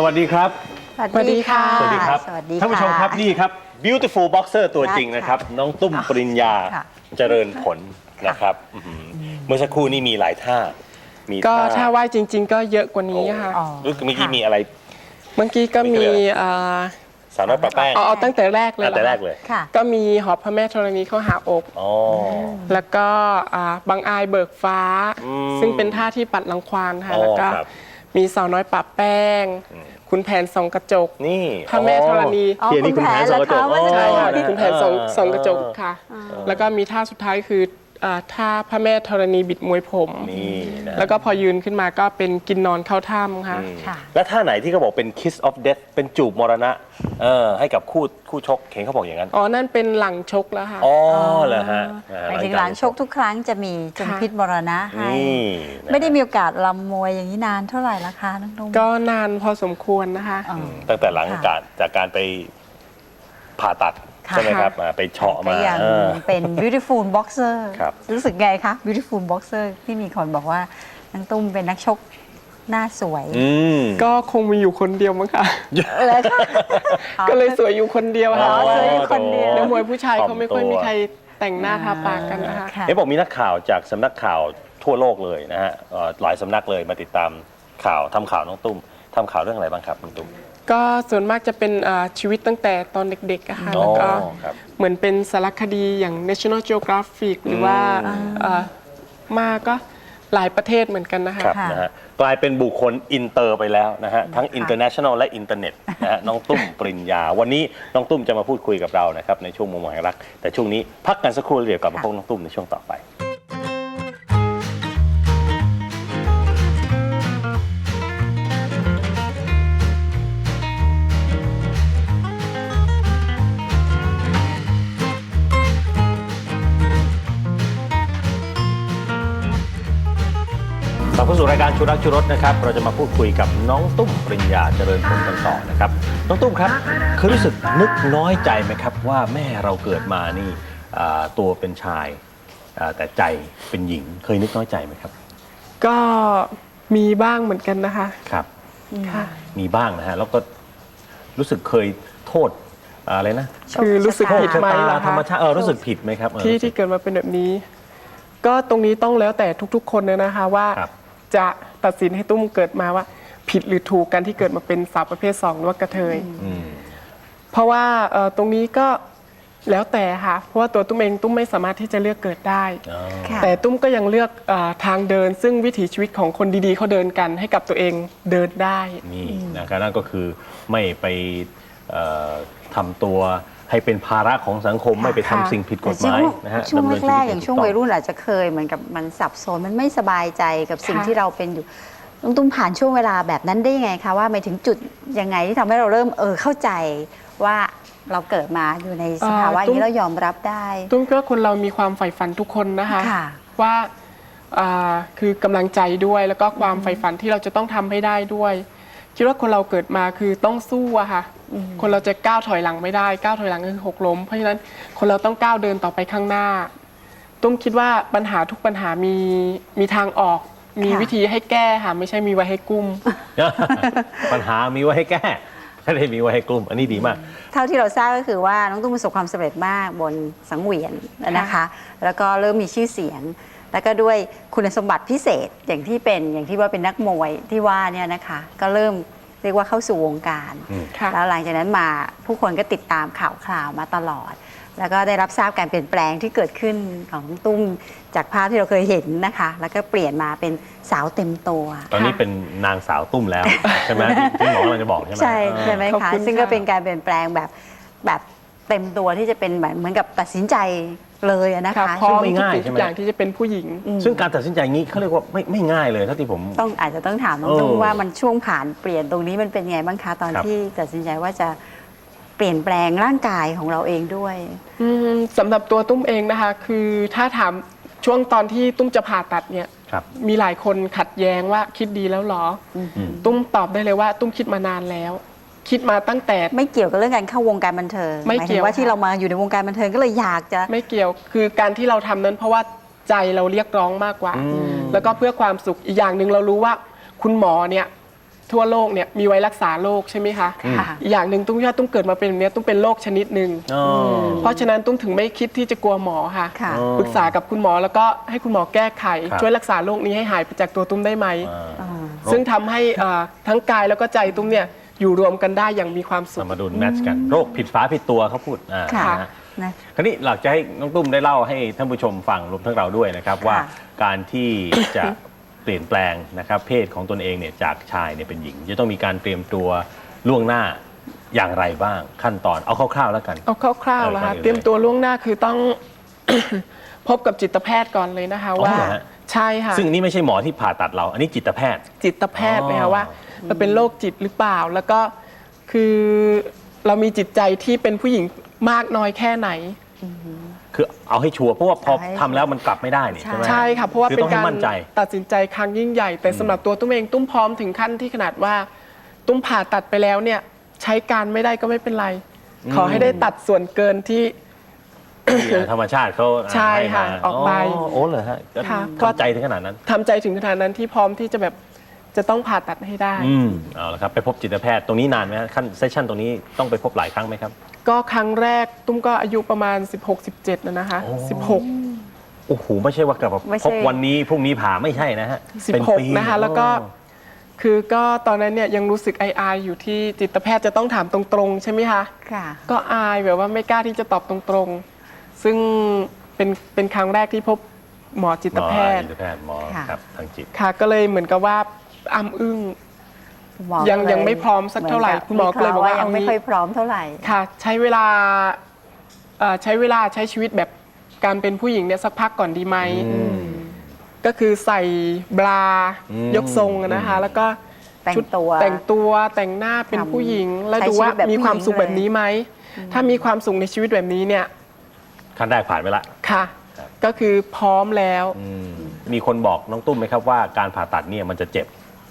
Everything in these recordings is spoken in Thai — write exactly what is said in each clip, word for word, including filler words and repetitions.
วัสดีครับสวัสดีค่ะสวัสดีครับท่านผู้ชมครับนี่ครับ beautiful boxer ตัวจริงนะครับน้องตุ้มปริญญาเจริญผลนะครับเมื่อสักครู่นี้มีหลายท่ามีก็ถ้าว่ายจริงๆก็เยอะกว่านี้ค่ะรู้สึกเมื่อกี้มีอะไรเมื่อกี้ก็มีสาวน้อยปะแป้งเอาตั้งแต่แรกเลยตั้งแต่แรกเลยก็มีหอบพระแม่ธรณีเข้าหาอกแล้วก็บางอายเบิกฟ้าซึ่งเป็นท่าที่ปัดรังควานค่ะแล้วก็มีสาวน้อยปะแป้งคุณแผนส่องกระจกนี่พระแม่ธรณีเทียนี่คุณแผนส่องกระจกใช่ค่ะคุณแผนส่องกระจกค่ะแล้วก็มีท่าสุดท้ายคือท่าพระแม่ธรณีบิดมวยผมแล้วก็พอยืนขึ้นมาก็เป็นกินนอนเข้าถ้ำค่ะแล้วท่าไหนที่เขาบอกเป็น kiss of death เป็นจูบมรณะเออให้กับคู่คู่ชกเห็นเขาบอกอย่างนั้นอ๋อนั่นเป็นหลังชกแล้วค่ะอ๋อเหรอฮะหมายถึงหลังชกทุกครั้งจะมีจงพิษมรณะให้ไม่ได้มีโอกาสลำมวยอย่างนี้นานเท่าไหร่ละคะน้องนุ่มก็นานพอสมควรนะคะตั้งแต่หลังจากจากการไปผ่าตัดใช่ไหมครับไปเฉาะมาเป็น beautiful boxer รู้สึกไงคะ beautiful boxer ที่มีคนบอกว่าน้องตุ้มเป็นนักชกหน้าสวยก็คงมีอยู่คนเดียวมั้งค่ะก็เลยสวยอยู่คนเดียวค่ะสวยอยู่คนเดียวนักมวยผู้ชายเขาไม่ค่อยมีใครแต่งหน้าทาปากกันนะคะเอ๊ะบอกมีนักข่าวจากสำนักข่าวทั่วโลกเลยนะฮะหลายสำนักเลยมาติดตามข่าวทำข่าวน้องตุ้มทำข่าวเรื่องอะไรบ้างครับน้องตุ้มก็ส่วนมากจะเป็นชีวิตตั้งแต่ตอนเด็กๆอะค่ะแล้วก็เหมือนเป็นสารคดีอย่าง National Geographic หรือว่ามาก็หลายประเทศเหมือนกันนะคะนะฮะกลายเป็นบุคคลอินเตอร์ไปแล้วนะฮะทั้ง international และอินเทอร์เน็ตนะฮะน้องตุ้มปริญญาวันนี้น้องตุ้มจะมาพูดคุยกับเรานะครับในช่วงมุมมองแห่งรักแต่ช่วงนี้พักกันสักครู่เดี๋ยวกลับมาพบน้องตุ้มในช่วงต่อไปกลับเข้าสู่รายการชูรักชูรสนะครับเราจะมาพูดคุยกับน้องตุ้มปริญญาเจริญผลกันต่อนะครับน้องตุ้มครับเคยรู้สึกนึกน้อยใจไหมครับว่าแม่เราเกิดมานี่ตัวเป็นชายแต่ใจเป็นหญิงเคยนึกน้อยใจไหมครับก็มีบ้างเหมือนกันนะคะครับมีบ้างนะฮะแล้วก็รู้สึกเคยโทษอะไรนะคือรู้สึกผิดไหมล่ะธรรมชาติเออรู้สึกผิดไหมครับที่ที่เกิดมาเป็นแบบนี้ก็ตรงนี้ต้องแล้วแต่ทุกๆคนเลยนะคะว่าจะตัดสินให้ตุ้มเกิดมาว่าผิดหรือถูกกันที่เกิดมาเป็นสาวประเภทสองหรือว่ากระเทยเพราะว่าตรงนี้ก็แล้วแต่ค่ะเพราะว่าตัวตุ้มเองตุ้มไม่สามารถที่จะเลือกเกิดได้แต่ตุ้มก็ยังเลือกทางเดินซึ่งวิถีชีวิตของคนดีๆเขาเดินกันให้กับตัวเองเดินได้นี่นะครับนั่นก็คือไม่ไปทำตัวให้เป็นภาระของสังคมไม่ไปทำสิ่งผิดกฎหมายนะฮะช่วงแรกๆอย่างช่วงวัยรุ่นอาจจะเคยเหมือนกับมันสับสนมันไม่สบายใจกับสิ่งที่เราเป็นอยู่ลุงตุ้มผ่านช่วงเวลาแบบนั้นได้ยังไงคะว่าไปถึงจุดยังไงที่ทำให้เราเริ่มเออเข้าใจว่าเราเกิดมาอยู่ในสภาวะนี้เรายอมรับได้ตุ้มก็คนเรามีความใฝ่ฝันทุกคนนะคะว่าคือกำลังใจด้วยแล้วก็ความใฝ่ฝันที่เราจะต้องทำให้ได้ด้วยคิดว่าคนเราเกิดมาคือต้องสู้อะค่ะคนเราจะก้าวถอยหลังไม่ได้ก้าวถอยหลังคือหกล้มเพราะฉะนั้นคนเราต้องก้าวเดินต่อไปข้างหน้าตุ้มคิดว่าปัญหาทุกปัญหามีมีทางออกมีวิธีให้แก้ค่ะไม่ใช่มีไว้ให้กุ้มปัญหามีไว้ให้แก้ไม่ได้มีไว้ให้กลุ่มอันนี้ดีมากเท่าที่เราทราบก็คือว่าน้องตุ้มประสบความสำเร็จมากบนสังเวียนนะคะแล้วก็เริ่มมีชื่อเสียงแล้วก็ด้วยคุณสมบัติพิเศษอย่างที่เป็นอย่างที่ว่าเป็นนักมวยที่ว่าเนี่ยนะคะก็เริ่มเรียกว่าเข้าสู่วงการแล้วหลังจากนั้นมาผู้คนก็ติดตามข่าวคราวมาตลอดแล้วก็ได้รับทราบการเปลี่ยนแปลงที่เกิดขึ้นของตุ้มจากภาพที่เราเคยเห็นนะคะแล้วก็เปลี่ยนมาเป็นสาวเต็มตัวตอนนี้เป็นนางสาวตุ้มแล้วใช่ไหมที่หมอเราจะบอกใช่ไหมใช่ใช่ไหมคะซึ่งก็เป็นการเปลี่ยนแปลงแบบแบบเต็มตัวที่จะเป็นแบบเหมือนกับตัดสินใจเลยนะคะพร้อมไม่ง่ายใช่ไหมอย่างที่จะเป็นผู้หญิงซึ่งการตัดสินใจงี้เขาเรียกว่าไม่ไม่ง่ายเลยเท่าที่ผมต้องอาจจะต้องถามน้องตุ้มว่ามันช่วงผ่านเปลี่ยนตรงนี้มันเป็นไงบ้างคะตอนที่ตัดสินใจว่าจะเปลี่ยนแปลงร่างกายของเราเองด้วยสำหรับตัวตุ้มเองนะคะคือถ้าถามช่วงตอนที่ตุ้มจะผ่าตัดเนี่ยมีหลายคนขัดแย้งว่าคิดดีแล้วหรอตุ้มตอบได้เลยว่าตุ้มคิดมานานแล้วคิดมาตั้งแต่ไม่เกี่ยวกับเรื่องการเข้าวงการบันเทิงไม่เกี่ยวว่าที่เรามาอยู่ในวงการบันเทิงก็เลยอยากจะไม่เกี่ยวคือการที่เราทำนั้นเพราะว่าใจเราเรียกร้องมากกว่าแล้วก็เพื่อความสุขอีกอย่างหนึ่งเรารู้ว่าคุณหมอเนี่ยทั่วโลกเนี่ยมีไว้รักษาโรคใช่ไหมคะค่ะอีกอย่างหนึ่งตุ้มว่าตุ้มเกิดมาเป็นแบบเนี้ยตุ้มเป็นโรคชนิดหนึ่งอ๋อเพราะฉะนั้นตุ้มถึงไม่คิดที่จะกลัวหมอค่ะค่ะอ๋อปรึกษากับคุณหมอแล้วก็ให้คุณหมอแก้ไขครับช่วยรักษาโรคนี้ให้หายไปจากตัวตุ้มได้ไหมอ่าอ่าซึ่งทำให้เอ่อทั้งกายแล้วก็ใจตุ้มเนี่ยอยู่รวมกันได้อย่างมีความสุขเอามาดูแมทช์กันโรคผิดฝาผิดตัวเขาพูดอ่าค่ะนะฮะนะคราวนี้หลักจะให้น้องตุ้มได้เล่าให้ท่านผู้ชมฟังรวมทั้งเราด้วยนะครับ ว่าการที่ จะเปลี่ยนแปลงนะครับเพศของตนเองเนี่ยจากชายเนี่ยเป็นหญิง จะต้องมีการเตรียมตัวล่วงหน้าอย่างไรบ้างขั้นตอนเอาคร่าวๆแล้วกันเอาคร่าวๆแล้วเออก่อค่ะนอื่นเตรียมตัวล่วงหน้าคือต้อง พบกับจิตแพทย์ก่อนเลยนะคะอ๋อว่าเหรอฮะใช่ค่ะซึ่งนี่ไม่ใช่หมอที่ผ่าตัดเรา อันนี้จิตแพทย์จิตแพทย์อ๋อนะคะว่าเราเป็นโรคจิตหรือเปล่า แล้วก็คือเรามีจิตใจที่เป็นผู้หญิงมากน้อยแค่ไหนคือเอาให้ชัวร์เพราะว่าพอเอาให้ทำแล้วมันกลับไม่ได้นี่ใช่ใช่ไหมใช่ค่ะเพราะว่าคือเป็ต้อน งให้การมั่นใจตัดสินใจครั้งยิ่งใหญ่ แต่สำหรับตัวตุ้มเองตุ้มพร้อมถึงขั้นที่ขนาดว่าตุ้มผ่าตัดไปแล้วเนี่ยใช้การไม่ได้ก็ไม่เป็นไร ขอให้ได้ตัดส่วนเกินที่ที่ธรรมชาติเขาใช่ค่ะให้มาออกไปโอ้เหรอฮะก็ค่ะทำใจถึงขนาดนั้นทำใจถึงขนาดนั้นที่พร้อมที่จะแบบจะต้องผ่าตัดให้ได้อืมเอาละครับไปพบจิตแพทย์ตรงนี้นานไหมฮะขั้นเซสชั่นตรงนี้ต้องไปพบหลายครั้งไหมครับก็ครั้งแรกตุ้มก็อายุประมาณ สิบหก สิบเจ็ดนะนะคะโอ้สิบหกโอ้โหไม่ใช่ว่ากลับมาไม่ใช่พบวันนี้พรุ่งนี้ผ่าไม่ใช่นะฮะสิบเป็นหกปีนะคะแล้วก็อ๋อคือก็ตอนนั้นเนี่ยยังรู้สึกอายๆอยู่ที่จิตแพทย์จะต้องถามตรงๆ ใช่ไหมคะค่ะก็อายแบบว่าไม่กล้าที่จะตอบตรงๆ ซึ่งเป็นเป็นครั้งแรกที่พบหมอจิตแพทย์หมอจิตแพทย์หมอค่ะครับทางจิตค่ะ ก็เลยเหมือนกับว่าอ้ำอึ้งหมอยังก็เลยังไม่พร้อมสักเท่าไหร่มืนคุณหมอก็เลยบอกว่ายังไม่เอางี้ค่อยพร้อมเท่าไหร่ค่ะ ใช้เวลาเอ่อใช้เวลาใช้ชีวิตแบบการเป็นผู้หญิงเนี่ยสักพักก่อนดีไหม ก็คือใส่บราอืมยกทรงอะนะคะ แล้วก็แต่งชุดตัวแต่งตัวแต่งหน้าเป็นทำผู้หญิง แล้วใช้ดูว่าชีวิตแบบมีความสุขผู้หญิงแบบนี้ไหม ถ้ามีความสุขในชีวิตแบบนี้เนี่ยขั้นแรกผ่านไปละค่ะครับก็คือพร้อมแล้วอืมมีคนบอกน้องตุ้มไหมครับว่าการผ่าตัดเนี่ยมันจะเจ็บ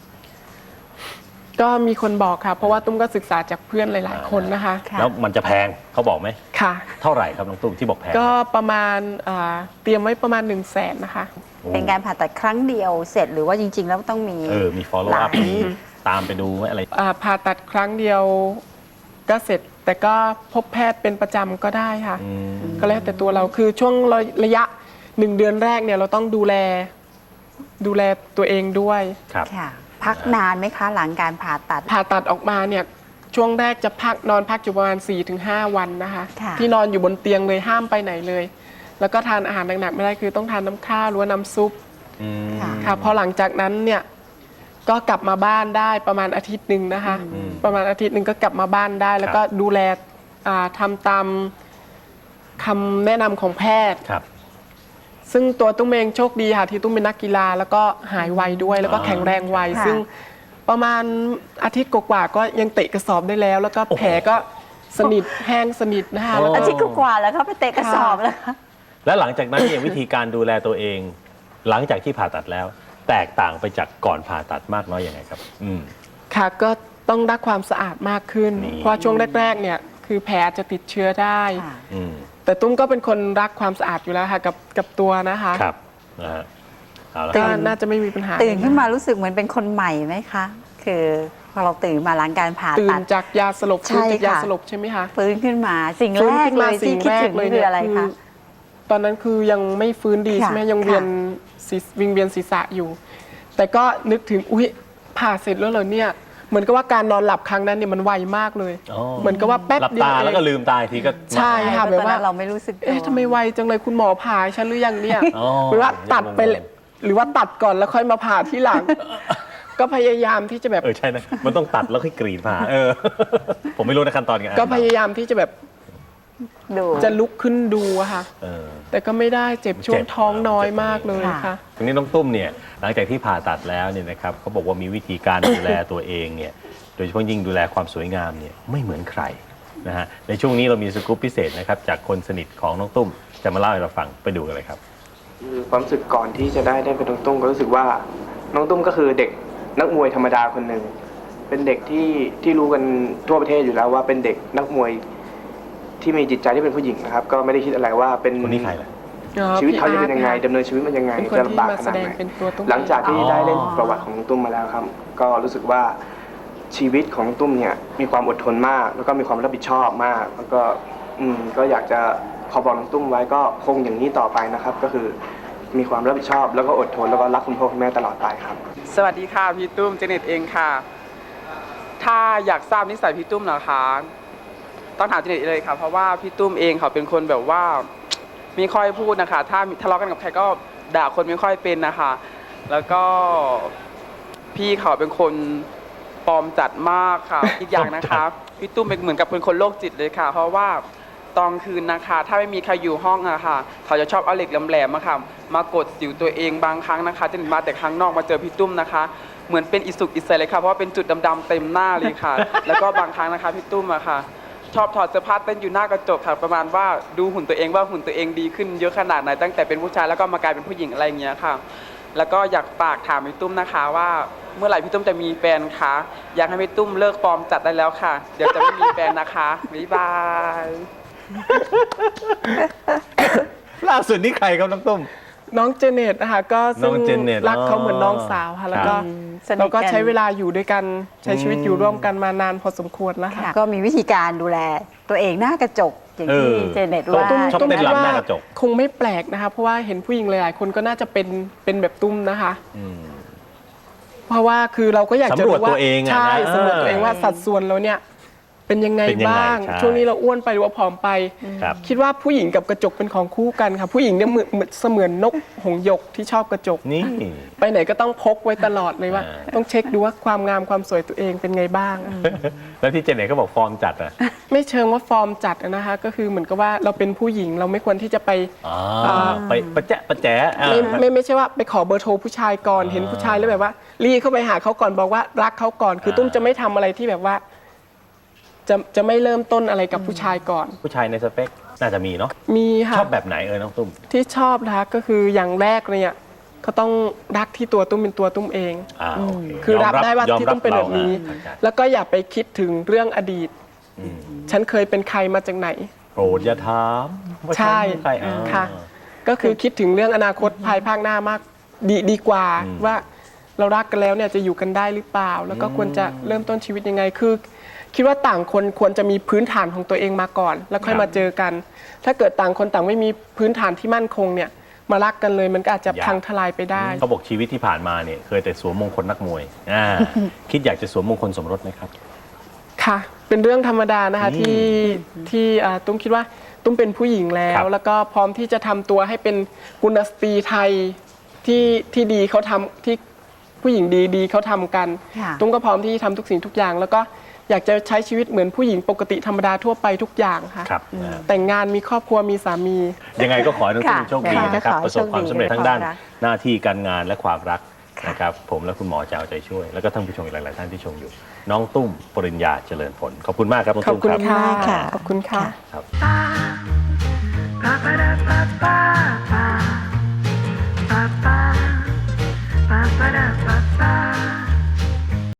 ก็มีคนบอกค่ะ เพราะว่าตุ้มก็ศึกษาจากเพื่อนหลาย ๆ คนนะคะค่ะแล้วมันจะแพงเขาบอกไหมค่ะเท่าไหร่ครับน้องตุ้มที่บอกแพงก็ประมาณอ่าเตรียมไว้ประมาณ1นึ่งแสนนะคะโอ้เป็นการผ่าตัดครั้งเดียวเสร็จหรือว่าจริง ๆ แล้วต้องมีเออมี follow หลา up ยมีตามไปดูไหมอะไรอ่าผ่าตัดครั้งเดียวก็เสร็จ แต่ก็พบแพทย์เป็นประจำก็ได้ค่ะอืมก็แล้วแต่ตัวเราคือช่วงระยะหนึ่งเดือนแรกเนี่ยเราต้องดูแลดูแลตัวเองด้วยครับค่ะ พักนานไหมคะหลังการผ่าตัดผ่าตัดออกมาเนี่ยช่วงแรกจะพักนอนพักอยู่ประมาณ สี่ถึงห้า วันนะคะค่ะที่นอนอยู่บนเตียงเลยห้ามไปไหนเลย แล้วก็ทานอาหารหนักๆไม่ได้คือต้องทานน้ำข้าวหรือว่าน้ำซุปอืมค่ะค่ะพอหลังจากนั้นเนี่ยก็กลับมาบ้านได้ประมาณอาทิตย์หนึ่งนะคะอืมประมาณอาทิตย์หนึ่งก็กลับมาบ้านได้ แล้วก็ดูแลอ่าทำตามคำแนะนำของแพทย์ครับซึ่งตัวตุ้มเองโชคดีค่ะที่ตุ้มเป็นนักกีฬาแล้วก็หายไวด้วย แล้วก็อ๋อแข็งแรงไวค่ะซึ่งประมาณอาทิตย์กว่าๆก็ยังเตะกระสอบได้แล้ว แล้วก็โอ้โหแผลก็สนิทแห้งสนิทนะคะแล้วอาก็ทิตย์กว่าๆแล้วเขาไปเตะกระสอบแล้วคะแล้วหลังจากนั้นเนี่ยวิธีการดูแลตัวเอง หลังจากที่ผ่าตัดแล้ว แตกต่างไปจากก่อนผ่าตัดมากน้อยยังไงครับ อืมค่ะก็ต้องรักความสะอาดมากขึ้นนี่เพราะช่วงแรกๆเนี่ยคือแผลจะติดเชื้อได้ค่ะอืมแต่ตุ้มก็เป็นคนรักความสะอาดอยู่แล้วค่ะกับกับตัวนะคะครับนะฮะเอาละคก็รับน่าจะไม่มีปัญหาตื่นขึ้นมารู้สึกเหมือนเป็นคนใหม่ไหมคะ คือพอเราตื่นมาหลังการผ่าตื่ตันดจากยาสลบใช่ฟื้นจากยาค่ะสลบใช่ไหมคะฟื้นขึ้นมาสิ่งฟื้นแรกขึ้นเลมายที่สิ่งคิดแรกถึงเลยคือเนี่ยอะไรคือคะตอนนั้นคือยังไม่ฟื้นดีค่ะใช่ไหมยังเวียนศีรวิงเวียนศีรษะอยู่ แต่ก็นึกถึงอุ๊ยผ่าเสร็จแล้วเหรอเนี่ยเหมือนกับว่าการนอนหลับครั้งนั้นเนี่ยมันไวมากเลยอ๋อเหมือนกับว่าแป๊บหลับเดียวตาเองแล้วก็ลืมตาอีกทีก็ใช่ค่ะแบบว่าตอนนั้นเราไม่รู้สึกตัวเอ๊ะทำไมไวจังเลยคุณหมอผ่าให้ฉันหรือยังเนี่ยอ๋อหรือว่าตัดไปยังงงเลยหรือว่าตัดก่อนแล้วค่อยมาผ่าที่หลัง ก็พยายามที่จะแบบเออใช่นะ มันต้องตัดแล้วค่อยกรีดผ่าเออ ผมไม่รู้นะขั้นตอนไงก็พยายามที่จะแบบดูจะลุกขึ้นดูอะค่ะเออแต่ก็ไม่ได้เจ็บช่วงเจ็บท้องน้อยเจ็บมากเลยค่ะค่ะทีนี้น้องตุ้มเนี่ยหลังจากที่ผ่าตัดแล้วเนี่ยนะครับเขาบอกว่ามีวิธีการดูแลตัวเองเนี่ยโดยเฉพาะยิ่งดูแลความสวยงามเนี่ยไม่เหมือนใครนะฮะในช่วงนี้เรามีสกู๊ปพิเศษนะครับจากคนสนิทของน้องตุ้มจะมาเล่าให้เราฟังไปดูกันเลยครับคือความรู้สึกก่อนที่จะได้ได้เป็นน้องตุ้มก็รู้สึกว่าน้องตุ้มก็คือเด็กนักมวยธรรมดาคนหนึ่งเป็นเด็กที่ที่รู้กันทั่วประเทศอยู่แล้วว่าเป็นเด็กนักมวยที่มีจิตใจที่เป็นผู้หญิงนะครับ ก็ไม่ได้คิดอะไรว่าเป็นคนนี้ใครล่ะชีวิตเขาจะเป็นยังไงดำเนินชีวิตมันยังไงเป็นคนจะที่ลำบากมาขแสนาดดงไหนเป็นตัวตุ้มหลังจากที่อ๋อได้เล่นประวัติของน้องตุ้มมาแล้วครับ ก็รู้สึกว่าชีวิตของน้องตุ้มเนี่ยมีความอดทนมาก แล้วก็มีความรับผิดชอบมาก แล้วก็อืมก็อยากจะขอบอกน้องตุ้มไว้ก็คงอย่างนี้ต่อไปนะครับ ก็คือมีความรับผิดชอบแล้วก็อดทนแล้วก็รักคุณพ่อคุณแม่ตลอดไปครับสวัสดีค่ะพี่ตุ้มเจเน็ตเองค่ะ ถ้าอยากทราบนิสัยพี่ตุ้มนะคะต้องถามเจเน็ตเลยค่ะเพราะว่าพี่ตุ้มเองเขาเป็นคนแบบว่าไม่ค่อยพูดนะคะ ถ้าทะเลาะกันกับใครก็ด่าคนไม่ค่อยเป็นนะคะ แล้วก็พี่เขาเป็นคนปลอมจัดมากค่ะ อีกอย่างนะคะพี่ตุ้มเป็นเหมือนกับเป็นคนโรคจิตเลยค่ะ เพราะว่าตอนคืนนะคะ ถ้าไม่มีใครอยู่ห้องอะค่ะ เขาจะชอบเอาเหล็กแหลมๆมาค่ะมากดสิวตัวเองบางครั้งนะคะจะมาแต่ข้างนอกมาเจอพี่ตุ้มนะคะ เหมือนเป็นอิสุกอิสัยเลยค่ะเพราะว่าเป็นจุดดำๆเต็มหน้าเลยค่ะ แล้วก็บางครั้งนะคะพี่ตุ้มอะค่ะ ชอบถอดเสื้อผ้าเต้นอยู่หน้ากระจกค่ะ ประมาณว่าดูหุ่นตัวเองว่าหุ่นตัวเองดีขึ้นเยอะขนาดไหนตั้งแต่เป็นผู้ชายแล้วก็มากลายเป็นผู้หญิงอะไรอย่างเงี้ยค่ะ แล้วก็อยากฝากถามพี่ตุ้มนะคะว่าเมื่อไหร่พี่ตุ้มจะมีแฟนคะอยากให้พี่ตุ้มเลิกปลอมจัดได้แล้วค่ะ เดี๋ยวจะไม่มีแฟนนะคะบ๊ายบายล่าสุดนี่ใครครับน้องตุ้มน้องเจเน็ตนะคะก็น้ซึ่องงเจเน็ตรักเขาเหมือนน้องสาวค่ะแล้วก็ครับสนิทกันเราก็ใช้เวลาอยู่ด้วยกันใช้ชีวิตอยู่ร่วมกันมานานพอสมควรแล้วค่ะค่ะก็มีวิธีการดูแลตัวเองหน้ากระจกอย่างที่เออเจเน็ตว่าตุ้มชอบเต้นรำหน้ากระจกคงไม่แปลกนะคะ เพราะว่าเห็นผู้หญิงหลายๆคนก็น่าจะเป็นเป็นแบบตุ้มนะคะอืมเพราะว่าคือเราก็อยากจะสำรวจรู้ว่าตัวเองอะนะใช่สำรวจตัวเองว่าเออสัดส่วนเราเนี่ยเป็นยังไงเป็นยังไงบ้างใช่ช่วงนี้เราอ้วนไปหรือว่าผอมไปครับคิดว่าผู้หญิงกับกระจกเป็นของคู่กันค่ะ ผู้หญิงเนี่ยเหมือนเหมือนเสมือนนกหงส์หยกที่ชอบกระจกนี่ไปไหนก็ต้องพกไว้ตลอดเลยว่าอ่าต้องเช็คดูว่าความงามความสวยตัวเองเป็นไงบ้างแล้วที่เจเน็ตก็บอกฟอร์มจัดอ่ะไม่เชิงว่าฟอร์มจัดอะนะคะ ก็คือเหมือนกับว่าเราเป็นผู้หญิงเราไม่ควรที่จะไปอ๋ออ่าไปประแจะประแจะอ่าไม่ไม่ไม่ใช่ว่าไปขอเบอร์โทรผู้ชายก่อนอ่าเห็นผู้ชายแล้วแบบว่ารีเข้าไปหาเขาก่อนบอกว่ารักเขาก่อน คืออา ตุ้มจะไม่ทำอะไรที่แบบว่า จะจะไม่เริ่มต้นอะไรกับผู้ชายก่อนผู้ชายในสเปคน่าจะมีเนาะมีค่ะชอบแบบไหนเออน้องตุ้มที่ชอบนะคะก็คืออย่างแรกเลยเนี่ยเขาต้องรักที่ตัวตุ้มเป็นตัวตุ้มเองอ่าโอเคคือรับได้ว่ายอมที่ตุ้มเป็นแบบนี้เราอ่ะแล้วก็อย่าไปคิดถึงเรื่องอดีตอืมฉันเคยเป็นใครมาจากไหนโปรดอย่าถามว่าใช่ฉันเป็นใครอ่าค่ะ ก็คือคิดถึงเรื่องอนาคตภายภาคหน้ามากดีดีกว่าอืมว่าเรารักกันแล้วเนี่ยจะอยู่กันได้หรือเปล่า แล้วก็ควรจะเริ่มต้นชีวิตยังไงคือ คิดว่าต่างคนควรจะมีพื้นฐานของตัวเองมาก่อน แล้วค่อยมาเจอกัน ถ้าเกิดต่างคนต่างไม่มีพื้นฐานที่มั่นคงเนี่ยมารักกันเลยมันก็อาจจะพังทลายไปได้เขาบอกชีวิตที่ผ่านมาเนี่ยเคยแต่สวมมงคลนักมวยอ่า คิดอยากจะสวมมงคลสมรสไหมครับค่ะ เป็นเรื่องธรรมดานะคะอืมที่ที่อ่าตุ้มคิดว่าตุ้มเป็นผู้หญิงแล้ครัวบแล้วก็พร้อมที่จะทำตัวให้เป็นกุลสตรีไทยที่ที่ดีเขาทำที่ผู้หญิงดีดีเขาทำกันค่ะตุ้มก็พร้อมที่ทำทุกสิ่งทุกอย่าง แล้วก็อยากจะใช้ชีวิตเหมือนผู้หญิงปกติธรรมดาทั่วไปทุกอย่างค่ะครับอ่าแต่งงานมีครอบครัวมีสามียังไงก็ขอให้น้องตุ้มค่ะโชคดีนะครับขอให้ประสบความสำเร็จโชคดีทั้งด้านในความรักหน้าที่การงานและความรักนะครับผมและคุณหมอจะเอาใจช่วย แล้วก็ท่านผู้ชมอีกหลาย ๆ ท่านที่ชมอยู่ น้องตุ้มปริญญาเจริญผล ขอบคุณมากครับน้องขอบตุ้มคุณครับค่ะค่ะขอบคุณค่ะครับ Ba-ba-da-ba-ba-ba. Ba-ba-da-ba-ba.